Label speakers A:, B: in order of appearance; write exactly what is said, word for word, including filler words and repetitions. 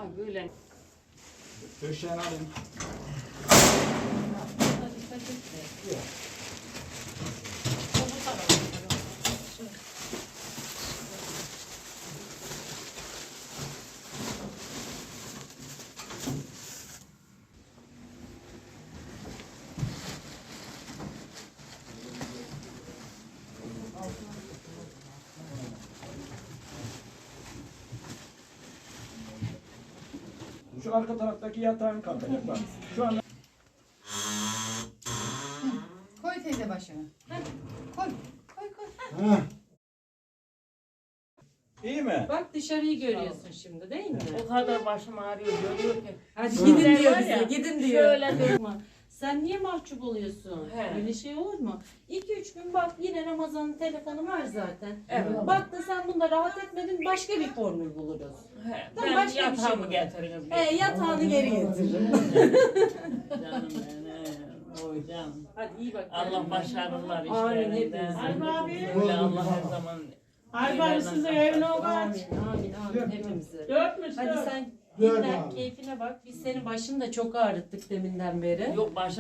A: böyle.
B: Döşeğini alayım.
A: Dikkat et. Bu tarafa.
B: Şu arka taraftaki yatağın kalkacak bak. Şu anda
C: Koy teyze başına. Koy. Koy koy.
B: Heh. İyi mi?
A: Bak dışarıyı görüyorsun şimdi değil mi?
D: O kadar başım ağrıyor görüyor ki.
A: Hadi
B: Hı.
A: gidin diyor
D: Var
A: bize,
D: ya,
A: gidin diyor.
D: Şöyle
A: Durma. Sen niye mahcup oluyorsun?
D: He.
A: Öyle şey olur mu? iki üç gün bak yine Ramazan'ın telefonu var zaten.
D: Evet.
A: Bak da sen bunda rahat etmedin başka bir formül buluruz.
D: He,
A: Tamam,
D: ben
A: başka bir şey
D: yatağımı
A: mi?
D: getiririz.
A: E yatağını geri getir.
D: Canım benim. Oy canım.
A: Hadi iyi bak.
D: Allah başarılar
A: Amin
D: işlerinden.
A: hepimize.
E: Harbi abi.
D: Öyle Allah her zaman.
E: Harbi abi size evine o kaç.
A: Amin amin amin hepimize.
E: Dörtmüş
A: Hadi
E: dört.
A: sen
F: Dört
A: dinlen
F: abi.
A: keyfine bak. Biz senin başını da çok ağrıttık deminden beri.
D: Yok başım